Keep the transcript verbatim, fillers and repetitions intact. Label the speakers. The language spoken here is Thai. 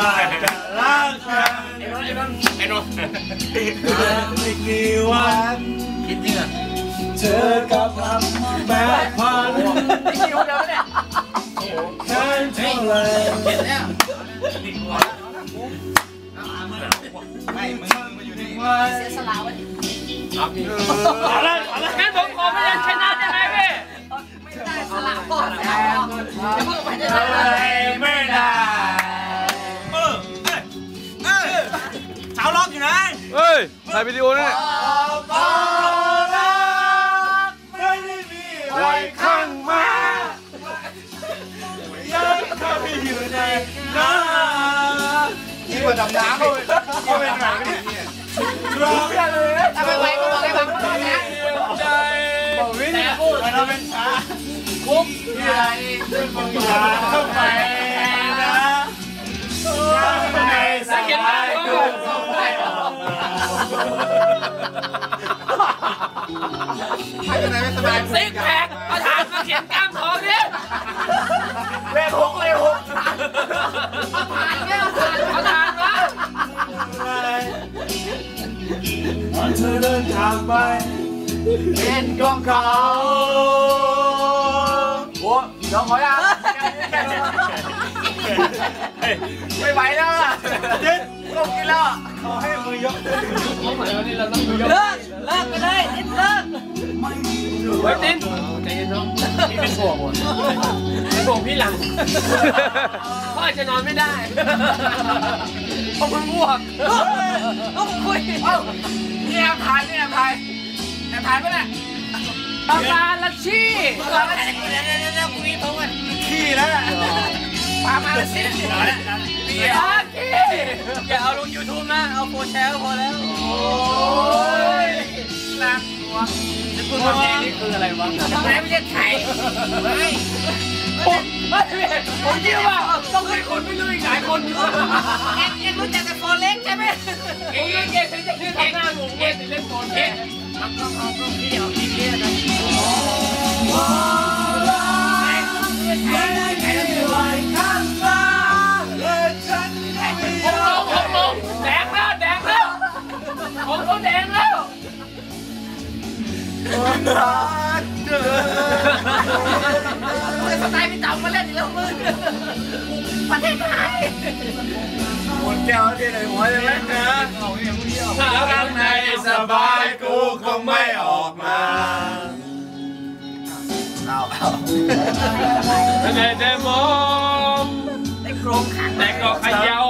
Speaker 1: ว่าจะรักกันไอ้นนท์ไม่กี่วันคิดจริงอ่ะเจอกับลำแปดพันไม่กี่วันเดียวเนี่ยแค่เท่าไรเห็นแล้วไม่มึงมาอยู่นี่เสียสละไว้เอาพี่เอาละเอาละงั้นผมขอพยัญชนะได้ไหมพี่ไม่ได้สละพ่อแม่จะพูดไปได้ไหมไม่ได้เออเออเช้าร้องอยู่นะ
Speaker 2: เฮ้ยถ่ายวิดีโอนี่
Speaker 1: ไม่ได้มีไว้ข้างมายังเข้าไปอยู่ในน้ำที่ว่าดำน้ำเลยก็เป็นหนังนี่ร้องได้เลยทำไมไว้ก็บอกให้ฟังก่อนนะใจบอกวินพูดเราเป็นช้าคุกใหญ่เป็นคนยาเข้าไปนะในสายกูเข้าไปออกใครจะไหนไม่สบายซิกแพคประธานมาเขียนกล้ามท้องเนี่ยเลขหกเลขหกผ่านเนี่ยประธานวะเธอเดินทางไปเป็นของเขาโอ้น้องขอยังไม่ไหวแล้วอ่ะเด็ดลงกินแล้วขอให้มือยกเขาหมายว่านี่เราต้องมือยกเลิกเลิกไปเลยเลิกเฮ้ยติ๊นใจเย็นน้องพี่เป็นห่วงว่ะเป็นห่วงพี่หลังพ่ออาจจะนอนไม่ได้เพราะมันง่วงต้องคุยเอ้านี่แอบถ่ายนี่แอบถ่ายแอบถ่ายไปเลยตำนานลัชชี่ตำนานลัชชี่เดี๋ยวเดี๋ยวเดี๋ยวคุยโทรกันขี้แล้วพามาลัชชี่เดี๋ยวแล้วขี้อย่าเอาลงยูทูบนะเอาโฟร์แชร์พอแล้วโอ้ยน่ากลัวจะพูดว่าเพลงนี้คืออะไรวะไม่ไม่ใช่ไทยไม่ผมไม่ผมคิดว่าต้องให้คนไม่รู้อีกหลายคนเอ็งเอ็งรู้จักแต่โฟนเล็กใช่ไหมเอ็งเอ็งเอ็งจะคือทำหน้าหนูเอ็งเล่นโฟนเอ็งทำต้องเอาต้องพี่เอาพี่เลี้ยงนะผมลงแดงแล้วแดงแล้วผมก็แดงแล้วสไตล์พี่จำมาเล่นอีกแล้วมึงประเทศไทยหมดแก้วที่ไหนหัวเลยนะแล้วข้างในสบายกูคงไม่ออกมาเอาเอาแต่แต่มองแต่โครงขันแต่ก็ขยาว